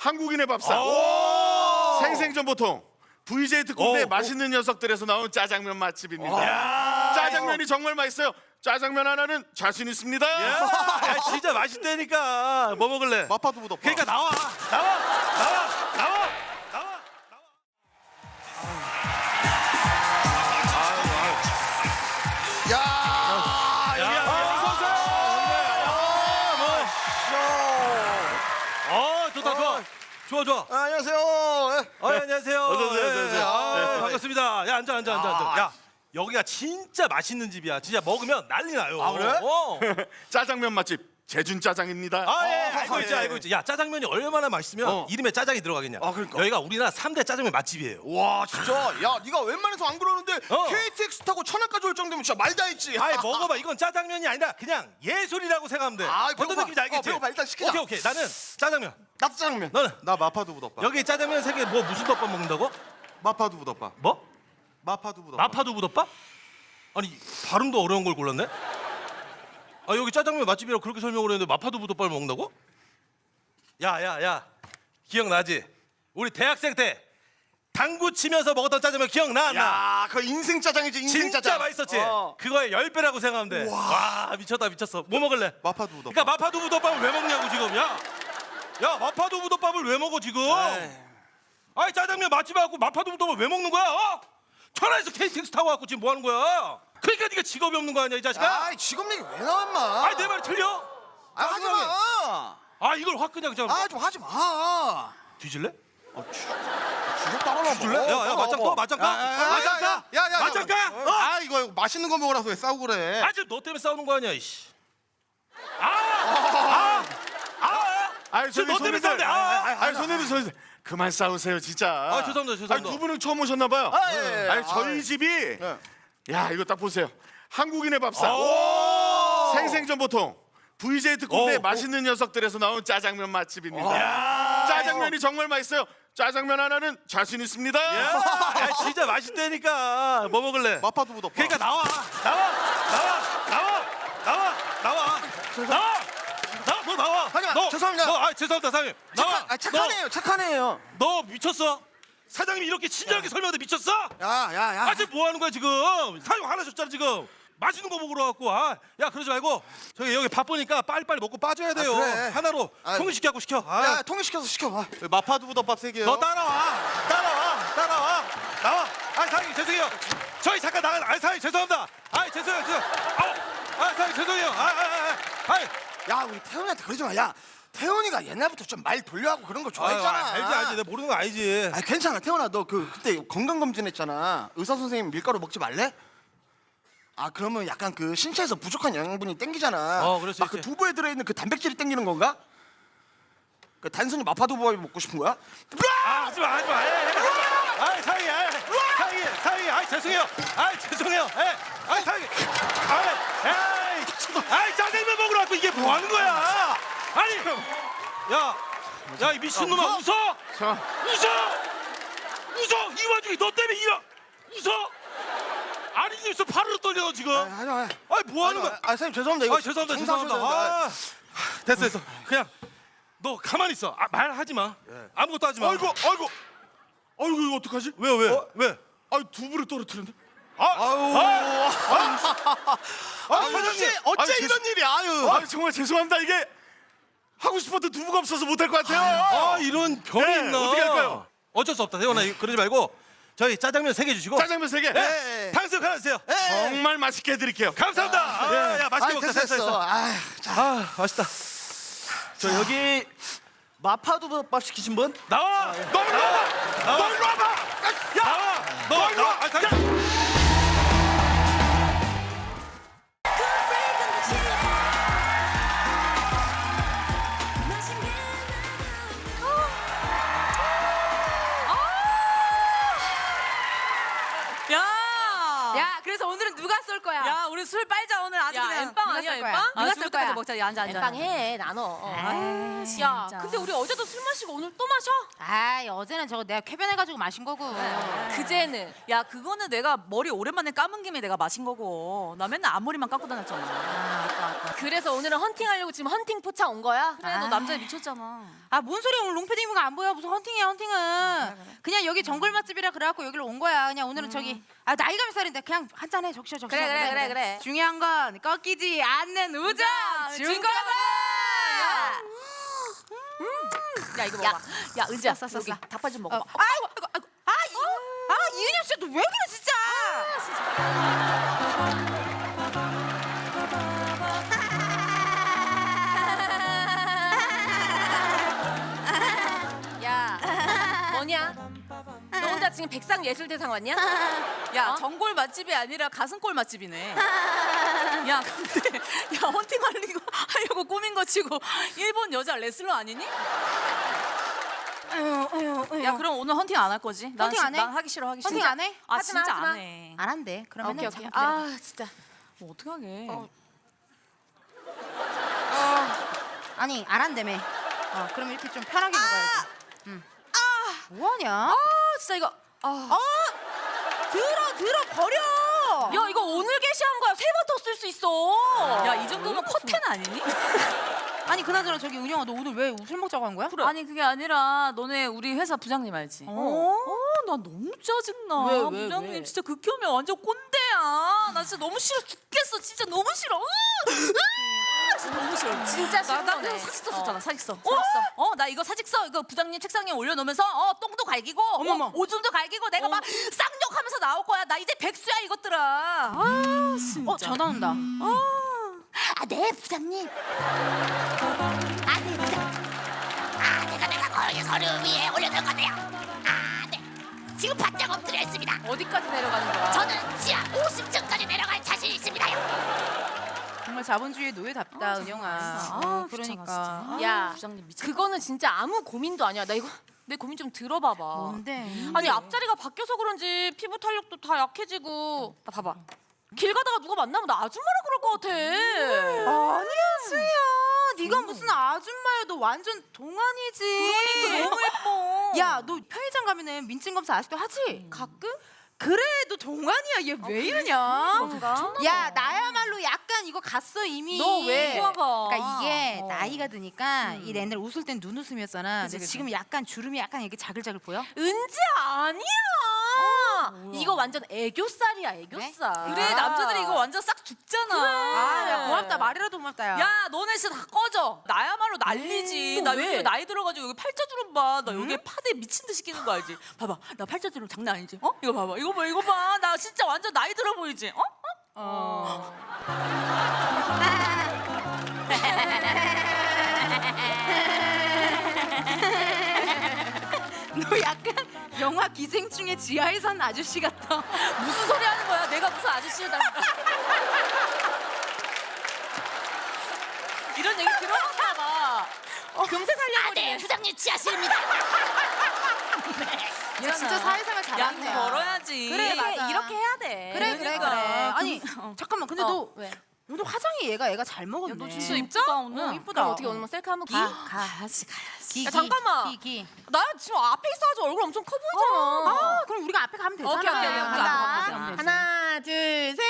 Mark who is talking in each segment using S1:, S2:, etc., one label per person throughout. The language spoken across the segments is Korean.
S1: 한국인의 밥상. 생생정보통 VJ 특공대 맛있는 녀석들에서 나온 짜장면 맛집입니다. 짜장면이 정말 맛있어요. 짜장면 하나는 자신 있습니다.
S2: 야, 진짜 맛있다니까. 뭐 먹을래?
S3: 마파두부.
S2: 그러니까 나와. 좋아.
S3: 안녕하세요.
S2: 안녕하세요.
S1: 어서 오세요.
S2: 반갑습니다. 야, 앉아. 야, 여기가 진짜 맛있는 집이야. 진짜 먹으면 난리 나요.
S3: 아, 그래?
S1: 짜장면 맛집 제준 짜장입니다.
S2: 알고 있지. 야, 짜장면이 얼마나 맛있으면 이름에 짜장이 들어가겠냐.
S3: 그러니까.
S2: 여기가 우리나라 3대 짜장면 맛집이에요.
S3: 와 진짜. 야 네가 웬만해서 안 그러는데 KTX 타고 천안까지 올 정도면 진짜 말 다 했지.
S2: 먹어봐. 이건 짜장면이 아니라 그냥 예술이라고 생각하면 돼. 어떤
S3: 배고파.
S2: 느낌인지 알겠지?
S3: 배고파. 일단 시키자.
S2: 오케이. 나는 짜장면.
S3: 나도 짜장면.
S2: 너는?
S3: 나 마파두부 덮밥.
S2: 여기 짜장면 3개 뭐 무슨 덮밥 먹는다고?
S3: 마파두부 덮밥.
S2: 뭐?
S3: 마파두부 덮밥.
S2: 마파두부 덮밥? 아니 발음도 어려운 걸 골랐네? 여기 짜장면 맛집이라고 그렇게 설명을 했는데 마파두부 덮밥을 먹는다고? 야 기억나지? 우리 대학생 때 당구 치면서 먹었던 짜장면 기억나? 안 나?
S3: 야, 그 인생 짜장이지. 인생
S2: 진짜
S3: 짜장.
S2: 맛있었지? 그거의 10배라고 생각하면 돼. 와 미쳤어. 뭐 먹을래?
S3: 마파두부 덮밥.
S2: 그러니까 마파두부 덮밥을 왜 먹냐고 지금. 야 마파두부 덮밥을 왜 먹어 지금? 아니 짜장면 맛집에 갖고 마파두부 덮밥을 왜 먹는 거야? 천안에서 KTX 타고 갖고 지금 뭐 하는 거야? 그러니까 네가 직업이 없는 거 아니야 이 자식아?
S3: 아이 직업 얘기 왜 나와 인마.
S2: 내 말이 틀려?
S3: 하지 마.
S2: 이걸 확 그냥 좀
S3: 좀 하지 마.
S2: 뒤질래?
S3: 주력 따라놔.
S2: 뒤질래? 야 맞짱 까?
S3: 야.
S2: 맞짱 까?
S3: 이거 맛있는 거 먹으라서 왜 싸우고 그래?
S2: 지금 너 때문에 싸우는 거 아니야 이씨. 지금 너 때문에 싸우는데.
S1: 손님들 그만 싸우세요 진짜.
S2: 죄송합니다.
S1: 두 분은 처음 오셨나 봐요. 저희 집이 야 이거 딱 보세요. 한국인의 밥상. 생생정보통 VJ 특공대 맛있는 녀석들에서 나온 짜장면 맛집입니다. 짜장면이 정말 맛있어요. 짜장면 하나는 자신 있습니다.
S2: 야 진짜 맛있다니까. 뭐 먹을래?
S3: 마파두부 덮밥.
S2: 그러니까 나와. 너 나와.
S3: 하지마. 죄송합니다.
S2: 죄송합니다 사장님. 나와.
S3: 착하네요.
S2: 너 미쳤어? 사장님이 이렇게 친절하게 설명하는데 미쳤어?
S3: 야.
S2: 지금 뭐 하는 거야 지금? 사장 화나셨잖아 지금. 맛있는 거 먹으러 왔고. 야 그러지 말고 저기 여기 바쁘니까 빨리빨리 먹고 빠져야 돼요.
S3: 그래.
S2: 하나로 통일시켜갖고 시켜.
S3: 야, 통일시켜서 시켜. 마파두부 덮밥 3개요.
S2: 너 따라와. 나와. 사장님 죄송해요. 저희 잠깐 나가. 사장님 죄송합니다. 죄송해요. 사장님 죄송해요.
S3: 야, 우리 태훈이한테 그러지 마. 야, 태훈이가 옛날부터 좀 말 돌려하고 그런 거 좋아했잖아.
S2: 알지. 내가 모르는 거 알지.
S3: 괜찮아. 태훈아, 너 그때 건강검진했잖아. 의사 선생님 밀가루 먹지 말래? 그러면 약간 그 신체에서 부족한 영양분이 땡기잖아.
S2: 그럴 수
S3: 막 그
S2: 있지.
S3: 두부에 들어있는 그 단백질이 땡기는 건가? 그 단순히 마파두부밥이 먹고 싶은 거야?
S2: 하지마. 사장님. 죄송해요. 사장님. 짜장면 먹으러 왔고 이게 뭐 하는 거야? 야, 이 미친놈아 웃어? 이 와중에 너 때문에 웃어? 아니 입술 파르르 떨려 지금. 뭐 하는 거야?
S3: 선생님 죄송합니다. 이거
S2: 죄송합니다. 됐어. 그냥 너 가만히 있어. 말하지 마. 아무것도 하지 마.
S1: 아이고 이거 어떡하지?
S2: 왜?
S1: 두부를 떨어뜨렸는데.
S3: 어째 이런 일이?
S1: 정말 죄송합니다. 이게 하고 싶어도 두부가 없어서 못할 것 같아요.
S2: 이런 병이
S1: 네,
S2: 있나?
S1: 어떻게 할까요?
S2: 어쩔 수 없다. 태원아 그러지 말고 저희 짜장면 3개 주시고
S1: 짜장면 3개.
S3: 네.
S2: 탕수육 하나 주세요.
S1: 정말 맛있게 해드릴게요.
S2: 감사합니다. 야 맛있게 먹자. 됐어. 맛있다.
S4: 저 여기 마파두부밥 시키신 분?
S2: 나와.
S1: 너 일로 와봐.
S2: 너 일로 와.
S5: 야, 그래서 오늘은 누가 쏠 거야?
S6: 야, 우리 술 빨자 오늘 아주
S5: 야,
S6: 그냥.
S5: 엠빵 아니야,
S6: 누가 쏠
S5: 엠빵?
S6: 거야?
S5: 누가 쏠 거야?
S6: 먹자. 야, 앉아.
S5: 엠빵 해, 나눠.
S6: 야,
S5: 진짜.
S6: 근데 우리 어제도 술 마시고 오늘 또 마셔?
S5: 어제는 저거 내가 쾌변해가지고 마신 거고.
S6: 그제는. 야, 그거는 내가 머리 오랜만에 감은 김에 내가 마신 거고. 나 맨날 앞머리만 감고 다녔잖아.
S5: 아까.
S6: 그래서 오늘은 헌팅하려고 지금 헌팅 포차 온 거야?
S5: 그래, 너
S6: 남자에 미쳤잖아.
S5: 아, 뭔 소리야. 오늘 롱패딩 입은 거 안 보여. 무슨 헌팅이야, 헌팅은. 그냥 여기 정글 맛집이라 그래갖고 여기로 온 거야. 그냥 오늘은 저기 나이가 몇 살인데 그냥 한잔해. 적셔.
S6: 그래.
S5: 중요한 건 꺾이지 않는 우정 준 거다.
S6: 야 이거 먹어봐. 야 은지야,
S5: 싸.
S6: 여기 닭발 좀 먹어봐.
S5: 아이고. 이은영 씨, 너 왜 그래 진짜?
S6: 야 뭐냐? 너 혼자 지금 백상예술대상 왔냐?
S7: 야,
S6: 어?
S7: 전골 맛집이 아니라 가슴골 맛집이네. 야, 근데 야 헌팅 하려고 꾸민 거 치고 일본 여자 레슬러 아니니? 야, 그럼 오늘 헌팅 안 할 거지?
S5: 헌팅 안 해?
S7: 난 하기 싫어.
S5: 헌팅 안 해?
S7: 아,
S6: 하지 마,
S7: 진짜
S6: 하지 마.
S7: 안 해.
S5: 안 한대. 그러면
S6: 오케이. 아 진짜.
S7: 뭐 어떡하게?
S5: 아니 안 한다며. 그럼 이렇게 좀 편하게 먹어야지. 뭐하냐?
S6: 아 진짜 이거.
S5: 들어 버려.
S6: 야 이거 오늘 게시한 거야. 3번 더 쓸 수 있어.
S7: 야, 이 정도면 커튼 아니니?
S5: 아니 그나저나 저기 은영아, 너 오늘 왜 술 먹자고 한 거야?
S7: 아니, 그게 아니라 너네 우리 회사 부장님 알지? 나 너무 짜증나.
S5: 왜?
S7: 부장님 진짜 극혐이야. 완전 꼰대야. 나 진짜 너무 싫어 죽겠어. 진짜 너무 싫어. 진짜 너무 싫어.
S6: 진짜 싫은
S7: 나
S6: 거네.
S7: 그래서 사직서 썼잖아. 사직서. 나 이거 사직서 이거 부장님 책상에 올려놓으면서 똥도 갈기고
S5: 어머머.
S7: 오줌도 갈기고 내가 막 쌍욕하면서 나올 거야. 나 이제 백수야 이것들아. 진짜.
S5: 전화 온다.
S8: 네 부장님. 네 부장. 제가 거기 서류 위에 올려놓을 건데요. 네. 지금 바짝 엎드려 있습니다.
S6: 어디까지 내려가는 거야?
S8: 저는 지하 50층까지 내려갈 자신 있습니다요.
S5: 정말 자본주의의 노예답다, 은영아. 그러니까.
S6: 야
S7: 부장님 미쳤다.
S6: 그거는 진짜 아무 고민도 아니야. 나 이거 내 고민 좀 들어봐봐.
S5: 뭔데?
S6: 아니 앞자리가 바뀌어서 그런지 피부 탄력도 다 약해지고. 나 봐봐. 길 가다가 누가 만나면 나 아줌마라 그럴 것 같아.
S5: 아니야, 수희야. 네가 무슨 아줌마야. 너 완전 동안이지.
S7: 그러니까 너무 예뻐.
S5: 야, 너 편의점 가면은 민증 검사 아직도 하지?
S6: 가끔?
S5: 그래, 너 동안이야. 얘 왜 이러냐?
S6: 그런가?
S5: 야, 나야말로 약간 이거 갔어 이미.
S6: 너 왜?
S5: 그러니까 이게 나이가 드니까 이 옛날 웃을 땐 눈웃음이었잖아. 근데
S7: 그치.
S5: 지금 약간 주름이 약간 이렇게 자글자글 보여?
S6: 은지 아니야. 이거 완전 애교살이야 애교살.
S7: 그래, 남자들이 이거 완전 싹 죽잖아.
S5: 야, 고맙다. 말이라도 고맙다. 야.
S7: 야, 너네 진짜 다 꺼져. 나야말로 난리지. 나 요즘 나이 들어가지고 여기 팔자주름 봐. 나 여기 파데 미친 듯이 끼는 거 알지? 봐봐, 나 팔자주름 장난 아니지? 이거 봐봐, 이거 봐. 나 진짜 완전 나이 들어 보이지?
S5: 너 약간 영화 기생충의 지하에 산 아저씨 같아.
S7: 무슨 소리 하는 거야? 내가 무슨 아저씨다. 이런 얘기 들어봤나 봐. 금세
S8: 네
S7: 살려버리네.
S8: 부장님 지하실입니다.
S5: 얘 진짜 사회생활 잘하는
S7: 양
S5: 거야.
S7: 벌어야지.
S5: 그래, 맞아.
S6: 이렇게 해야 돼.
S5: 그래.
S7: 그러니까.
S5: 아니 잠깐만. 근데 너
S6: 왜?
S5: 오늘 화장이 애가 잘 먹었네.
S7: 너 진짜 이쁘다 오늘.
S5: 이쁘다.
S6: 그럼 어떻게 오늘 뭐 셀카 한번
S7: 가야지.
S5: 기,
S6: 야, 잠깐만.
S5: 기.
S6: 나 지금 앞에 있어가지고 얼굴 엄청 커 보이잖아.
S5: 그럼 우리가 앞에 가면 되잖아.
S6: 오케이. 우리
S7: 앞에 가면 되지.
S6: 하나, 둘, 셋.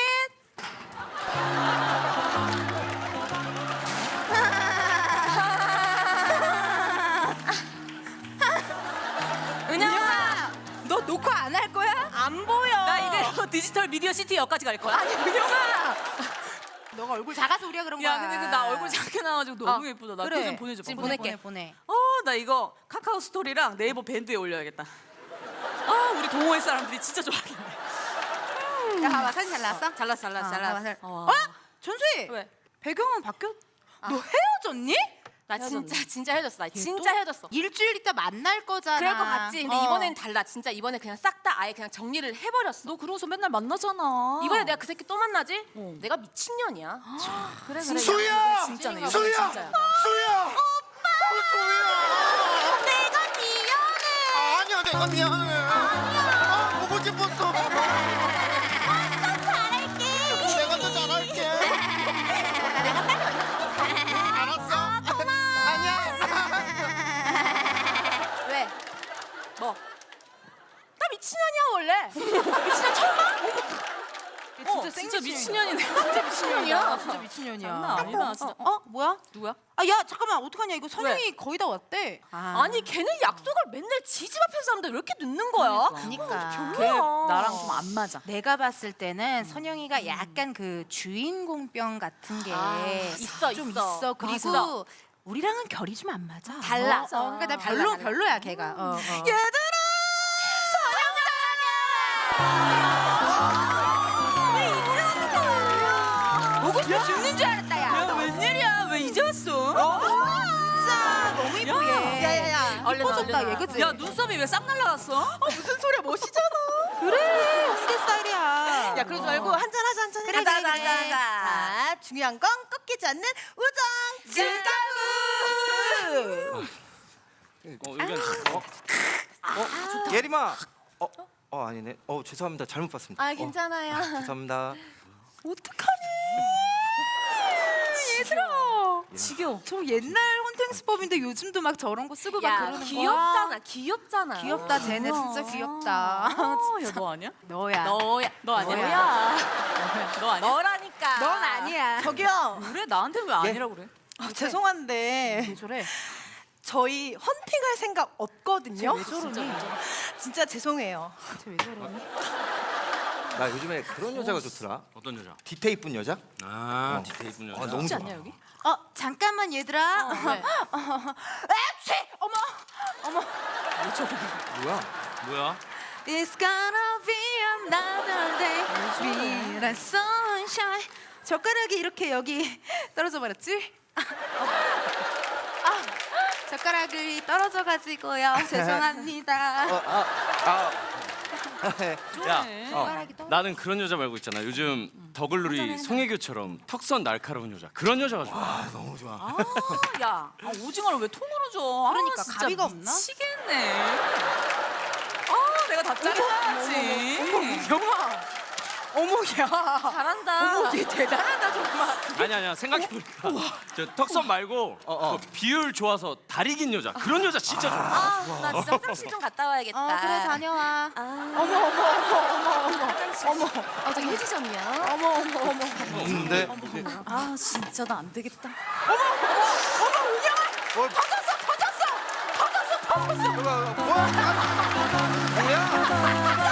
S6: 은영아,
S5: 너 녹화 안 할 거야?
S6: 안 보여.
S7: 나 이제 디지털 미디어 시티 역까지 갈 거야.
S5: 아니 은영아. 너가 얼굴 작아서 우리가 그런 거야.
S7: 야, 근데 나 얼굴 작게 나와가지고 너무 예쁘다. 나 그거 좀 보내줘.
S6: 지금
S7: 보내.
S6: 보낼게.
S5: 보내.
S7: 나 이거 카카오 스토리랑 네이버 밴드에 올려야겠다. 우리 동호회 사람들이 진짜 좋아하겠네.
S5: 야, 봐봐. 사진 잘 나왔어?
S6: 잘났어.
S5: 어? 전수희.
S7: 왜?
S5: 배경은 바뀌었. 너 헤어졌니?
S6: 나 진짜 헤어졌어. 나 진짜 헤어졌어.
S5: 일주일 있다 만날 거잖아.
S6: 그럴 것 같지. 근데 이번엔 달라. 진짜 이번에 그냥 싹 다 아예 그냥 정리를 해버렸어.
S7: 너 그러고서 맨날 만나잖아.
S6: 이번에 내가 그 새끼 또 만나지? 내가 미친년이야.
S7: 그래.
S1: 수희야!
S7: 진짜네. 이거
S1: 수희야!
S7: 진짜야.
S1: 수희야! 수희야!
S8: 내가 미안해.
S3: 아니야, 내가 미안해. 아니야. 보고 싶었어.
S8: 잘할게.
S3: 내가 더 잘할게. 알았어. 아니야.
S6: 왜? 뭐? 나 미친년이야 원래. 미친년 처음 봐?
S5: 진짜
S7: 진짜 미친년이네.
S5: 진짜 미친년이야. 진짜
S7: 장난
S5: 미친년이야.
S7: 아니다, 진짜.
S5: 뭐야?
S7: 누구야?
S5: 아, 야, 잠깐만. 어떡하냐? 이거 선영이 거의 다 왔대.
S7: 아니 걔는 약속을 맨날 지집 앞에서 하는데 왜 이렇게 늦는 거야?
S5: 그러니까.
S7: 걔 나랑 좀 안 맞아.
S5: 내가 봤을 때는 선영이가 약간 그 주인공병 같은 게
S7: 있어,
S5: 좀
S7: 있어.
S5: 있어. 그리고
S7: 있어.
S5: 우리랑은 결이 좀 안 맞아.
S7: 달라.
S5: 그러니까 나 별로야 걔가. 보고 싶어 죽는 줄 알았다 야.
S7: 웬일이야? 왜 이제 왔어?
S5: 진짜 너무 이쁘게. 야야야.
S7: 얼른
S5: 이뻐졌다
S7: 얼른.
S5: 얘 그치?
S7: 야 눈썹이 왜 싹 날라갔어?
S5: 무슨 소리야 멋있잖아. 그래 홍대 스타일이야.
S9: 야 그러지 말고 한잔 하자 한잔.
S5: 그래,
S9: 하자,
S5: 그래,
S9: 하자,
S5: 그래.
S9: 하자. 자 중요한 건 꺾이지 않는 우정 질가루.
S10: 예림아. 아니네. 죄송합니다. 잘못 봤습니다.
S9: 아 괜찮아요.
S10: 죄송합니다.
S7: 지겨워.
S5: 저 옛날 혼팅수법인데 요즘도 막 저런 거 쓰고 막
S7: 야
S5: 그러는 거야.
S7: 귀엽잖아. 귀엽잖아.
S5: 귀엽다 쟤네 진짜 귀엽다.
S7: 야너 아니야?
S5: 너야.
S7: 너야. 너 아니야?
S5: 너야.
S7: 너 아니야?
S9: 너라니까.
S5: 넌 아니야.
S9: 저기요.
S7: 그래 나한테 왜 아니라고 그래?
S9: 죄송한데
S5: 왜 저래?
S9: 저희 헌팅할 생각 없거든요.
S5: 왜 저러니?
S9: 진짜 죄송해요.
S5: 쟤 왜 저러니?
S10: 나 요즘에 그런 여자가 좋더라.
S2: 어떤 여자?
S10: 디테일 이쁜 여자?
S2: 아 디테일 이쁜 여자.
S10: 너무 좋아.
S7: 않냐 여기?
S5: 잠깐만 얘들아.
S7: 왜?
S5: 에취! 어머.
S10: 뭐야?
S2: 뭐야?
S5: It's gonna be another day. Be the sunshine. 젓가락이 이렇게 여기 떨어져 버렸지? 젓가락이 떨어져 가지고요. 죄송합니다.
S2: 야,
S5: 젓가락이 떨어.
S11: 나는 그런 여자 말고 있잖아. 요즘 더글로리 송혜교처럼 턱선 날카로운 여자. 그런 여자가 좋아.
S10: 너무 좋아.
S7: 야 오징어를 왜 통으로 줘?
S5: 그러니까
S7: 진짜
S5: 가위가 없나?
S7: 미치겠네. 내가 다 잘라야지.
S9: 어머 야.
S7: 잘한다.
S9: 얘 대단하다 정말.
S11: 아니야. 생각해보니까 저 턱선 말고 그 비율 좋아서 다리 긴 여자. 그런 여자 진짜 좋아.
S8: 나 진짜 화장실 좀 갔다 와야겠다.
S5: 그래 다녀와.
S8: 어머. 저기 휴지점이야.
S10: 없는데?
S7: 아 진짜 나 안 되겠다.
S10: 뭐야?